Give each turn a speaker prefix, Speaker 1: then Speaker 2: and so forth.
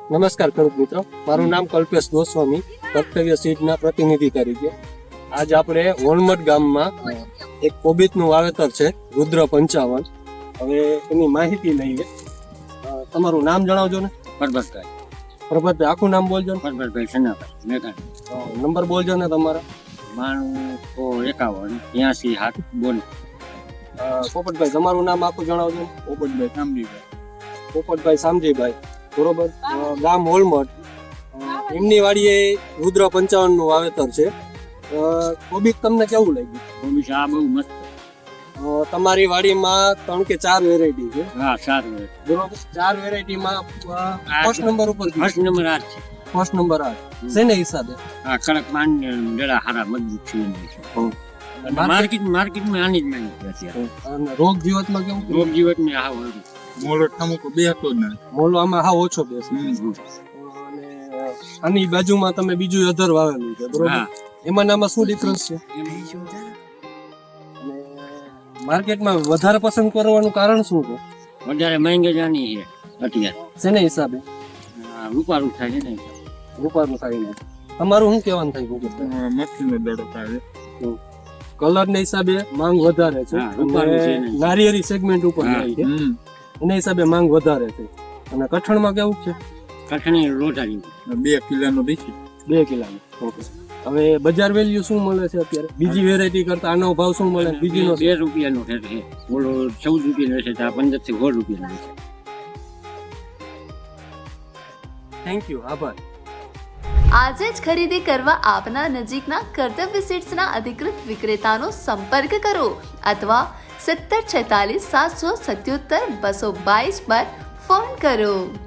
Speaker 1: નમસ્કાર ખેડૂત મિત્રો, મારું નામ કલ્પેશ ગોસ્વામી, કર્તવ્ય સીડના પ્રતિનિધિ તરીકે આજ આપણે વણમટ ગામમાં એક કોબીજનું વાવેતર છે રુદ્ર 55. હવે એની માહિતી લઈએ. તમારું નામ જણાવજો ને.
Speaker 2: પરબતભાઈ.
Speaker 1: પ્રભાતભાઈ, આખું નામ બોલજો ને.
Speaker 2: પરબતભાઈ સનાભાઈ મેઘાણી.
Speaker 1: નંબર બોલજો ને તમારા.
Speaker 2: 91 81 7 બોલ.
Speaker 1: પોપટભાઈ, તમારું નામ આખું જણાવજો ને.
Speaker 2: પોપટભાઈ સામજીભાઈ.
Speaker 1: પોપટભાઈ સામજીભાઈ, બરોબર. ગામ હોલમટ. એમની વાડીએ રુદ્ર 55 નું વાવેતર છે. કોબીજ તમને કેવું લાગ્યું?
Speaker 2: કોબીજ આ બહુ મસ્ત.
Speaker 1: તમારી વાડીમાં 3 કે 4 વેરાયટી છે.
Speaker 2: હા, સારું.
Speaker 1: બરોબર. 4 વેરાયટીમાં ફર્સ્ટ નંબર ઉપર
Speaker 2: ફર્સ્ટ નંબર આ છે.
Speaker 1: ફર્સ્ટ નંબર આ શેને હિસાબે?
Speaker 2: આ કડક માન ડેડા હારા મજબૂત છે. માર્કેટમાં આની જ માંગ છે.
Speaker 1: અને રોગ જીવતમાં કેવું?
Speaker 2: રોગ જીવતમાં આ હોય.
Speaker 3: મોળો ઠામકો બે હતો જ ને.
Speaker 1: મોલો આમાં હા ઓછો બેસે. અને આની બાજુમાં તમે બીજું અધર વાવેલું છે, બરોબર. એમાં નામાં શું ડિફરન્સ છે? માર્કેટમાં વધારે પસંદ કરવાનું કારણ શું છે?
Speaker 2: વધારે માંગે જાની છે અત્યારે.
Speaker 1: શેને હિસાબે?
Speaker 2: રૂપારું થાય છે ને.
Speaker 1: રૂપાનું થાય. તમારું શું કહેવાનું થાય ગોપાલભાઈ?
Speaker 3: મચ્છીનો દડો થાય.
Speaker 1: કલર ના હિસાબે માંગ વધારે છે. નારિયેળી સેગમેન્ટ ઉપર જાય છે, એના હિસાબે માંગ વધારે છે. અને કઠણમાં કેવું છે?
Speaker 2: કઠણી રોટારી
Speaker 3: 2 કિલોનો દેખી.
Speaker 1: 2 કિલોનો. ઓકે. હવે બજાર વેલ્યુ શું મળે છે અત્યારે બીજી વેરાયટી કરતા? આનો ભાવ શું મળે? બીજીનો
Speaker 2: 2 રૂપિયાનો છે. ઓલો 14 રૂપિયાનો છે, આ 15 થી 16 રૂપિયાનો છે.
Speaker 1: થેન્ક યુ, આભાર.
Speaker 4: આજે જ ખરીદી કરવા આપના નજીકના કર્તવ્ય સીડ્સના અધિકૃત વિક્રેતાનો સંપર્ક કરો અથવા 1746 777 222 પર ફોન કરો.